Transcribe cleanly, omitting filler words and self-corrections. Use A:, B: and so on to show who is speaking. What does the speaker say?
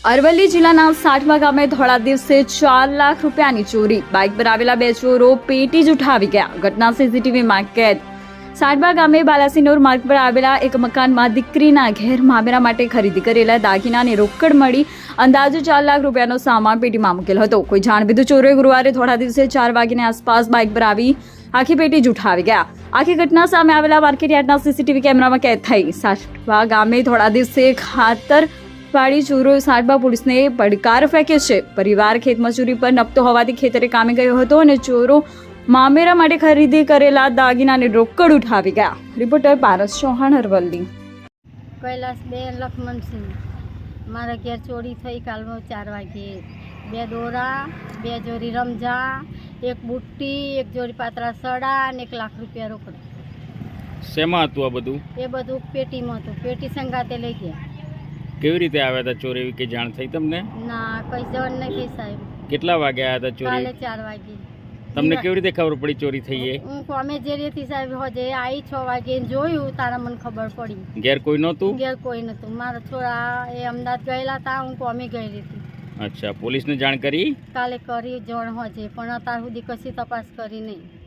A: અરવલ્લી જિલ્લાના સાઠમા ગામે ધોળા દિવસે 4 લાખ રૂપિયાની ચોરી. બાઇક પર આવેલા બે ચોરો પેટી જ ઉઠાવી ગયા. ઘટના સીસીટીવીમાં કેદ. સાઠમા ગામે બાલાસિનોર માર્ગ પર આવેલા એક મકાનમાં દીકરીના ઘેર મામેરા માટે ખરીદી કરેલા દાગીનાની રોકડ મળી અંદાજે 4 લાખ રૂપિયાનો સામાન પેટીમાં મૂકેલ હતો. કોઈ જાણબીધું ચોરોએ ગુરુવારે ધોળા દિવસે 4 વાગ્યાની આસપાસ બાઇક પર આવી આખી પેટી જ ઉઠાવી ગયા. આખી ઘટના સામે આવેલા માર્કેટયાર્ડના સીસીટીવી કેમેરામાં કેદ થઈ. સાઠમા ગામે ધોળા દિવસે ખાતર વાળી ચોરોએ સાઠમા પોલીસને પડકાર ફેંક્યો છે. પરિવાર ખેતમજૂરી પર નપતો હોવાથી ખેતરે કામે ગયો હતો અને ચોરો મામેરા માટે ખરીદી કરેલા દાગીનાની રોકડ ઉઠાવી ગયા. રિપોર્ટર પારસ ચૌહાણ, અરવલ્લી.
B: કૈલાસબેન લખમણસિંહ, મારા ઘેર ચોરી થઈ કાલમાં 4 વાગ્યે. 2 દોરા, 2 જોડી રમઝા, 1 બુટ્ટી, 1 જોડી પાતળા સડા અને 1 લાખ રૂપિયા રોકડ.
C: શેમાં હતું આ બધું?
B: એ બધું પેટીમાં હતું. પેટી સંગાતે લઈ ગયા.
C: કેવી રીતે આવ્યા હતા ચોરી? એવી કે જાણ થઈ તમને?
B: ના, કઈ જણ નહીં થઈ સાહેબ.
C: કેટલા વાગે આવ્યા હતા ચોરી?
B: કાલે 4 વાગે.
C: તમને કેવી રીતે ખબર પડી ચોરી થઈ એ?
B: હું કોમે જે રેતી સાહેબ હોજે આવી 6 વાગે જોયું તારા મને ખબર પડી.
C: ઘેર કોઈ નહોતું?
B: ઘેર કોઈ નતું. મારા છોરા એ અમદાવાદ ગયેલા હતા, હું કોમે ગયેલી હતી.
C: અચ્છા, પોલીસને જાણ કરી?
B: કાલે કરી જણ હોજે પણ અત્યાર સુધી કશી તપાસ કરી નહીં.